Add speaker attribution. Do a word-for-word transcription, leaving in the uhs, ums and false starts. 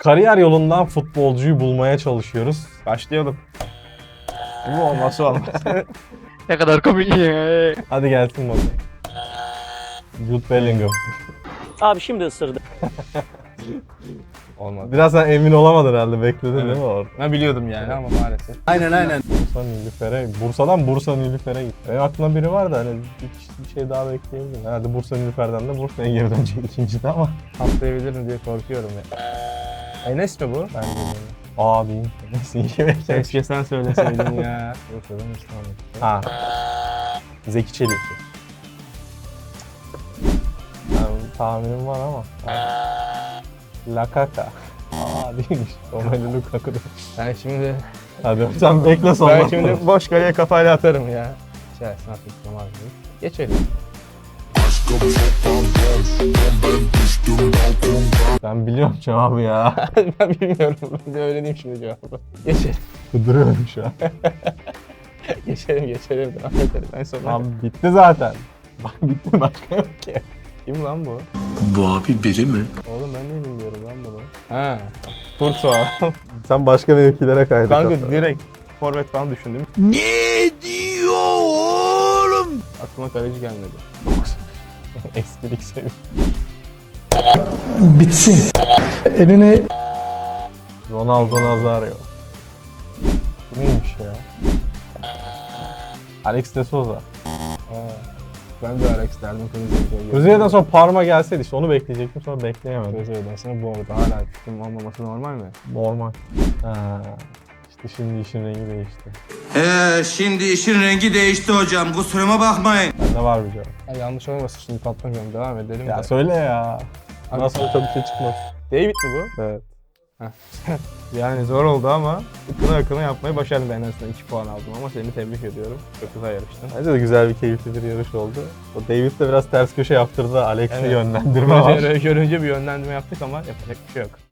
Speaker 1: Kariyer yolundan futbolcuyu bulmaya çalışıyoruz.
Speaker 2: Başlayalım. Bu olması olmaz.
Speaker 3: Ne kadar komik ya.
Speaker 1: Hadi gelsin bakalım. Jude Bellingham.
Speaker 4: Abi şimdi ısırdı.
Speaker 2: Olmadı.
Speaker 1: Biraz sen emin olamadın herhalde, bekledin
Speaker 2: Evet.
Speaker 1: değil mi orada?
Speaker 2: Ben biliyordum yani ama maalesef.
Speaker 1: Bursa Nilüfer'e, Bursa'dan Bursa Nilüfer'e gitti. Benim aklımda biri var da hani bir, bir şey daha bekleyebilirim. Herhalde Bursa Nilüfer'den de Bursa'ya geri dönecek ikincide ama.
Speaker 2: Atlayabilir mi diye korkuyorum ya. Enes mi bu? Ben de
Speaker 1: Aa değil. Neyse iyi beklemiş.
Speaker 2: Keşke sen söyleseydin ya. Bursa'dan İstanbul.
Speaker 1: Ha. Zeki Çelik. Yani tahminim var ama. Lakaka. Aa değilmiş. Romelu Lukaku'da.
Speaker 2: Ben şimdi
Speaker 1: Hadi sen bekle sonra.
Speaker 2: ben şimdi boş kaleye kafayla atarım ya. İçerisine atmıştım abi. Geçelim.
Speaker 1: Ben biliyorum cevabı ya.
Speaker 2: Ben bilmiyorum. Ben de öyle diyeyim şimdi cevabı. Geçelim.
Speaker 1: Kuduruyorum şu an.
Speaker 2: Geçelim geçelim. Devam edelim. En son.
Speaker 1: Tamam bitti zaten. Bak bitti, başka yok ki.
Speaker 2: Kim lan bu?
Speaker 5: Bu abi biri mi?
Speaker 2: Oğlum ben de bilmiyorum lan bunu. Ha. Kurtuğa.
Speaker 1: Sen başka mevkilere kaydın.
Speaker 2: Kanka direkt forvet falan düşündüm.
Speaker 5: Ne diyor oğlum?
Speaker 2: Aklıma kaleci gelmedi.
Speaker 1: Eskilik seviyor.
Speaker 5: Bitsin. Elini...
Speaker 1: Ronaldo Nazario. Bu neymiş ya? Alex de Souza.
Speaker 2: Ha. Ben de Alex derdim Kılıçdaroğlu.
Speaker 1: Kuzey'den sonra Parma gelseydi işte onu bekleyecektim, sonra bekleyemedim.
Speaker 2: Kılıçdaroğlu'dan sonra bu arada hala fikrim olmaması normal mi?
Speaker 1: Normal. Ha. İşte şimdi işin rengi değişti.
Speaker 6: Ee, şimdi işin rengi değişti hocam. Kusuruma bakmayın.
Speaker 1: Bende var bir cevap.
Speaker 2: Ya yanlış olmasın şimdi patlamıyorum. Devam edelim
Speaker 1: Ya
Speaker 2: de.
Speaker 1: söyle ya.
Speaker 2: Abi-
Speaker 1: Nasıl çok bir şey çıkmaz.
Speaker 2: David mi bu?
Speaker 1: Evet.
Speaker 2: Yani zor oldu ama ıkına ıkına yapmayı başardım, ben en azından iki puan aldım ama seni tebrik ediyorum. Çok güzel yarıştın.
Speaker 1: Bence de güzel bir, keyifli bir yarış oldu. O David de biraz ters köşe yaptırdı. Alex'i
Speaker 2: Evet.
Speaker 1: yönlendirme var.
Speaker 2: Görünce, görünce bir yönlendirme yaptık ama yapacak bir şey yok.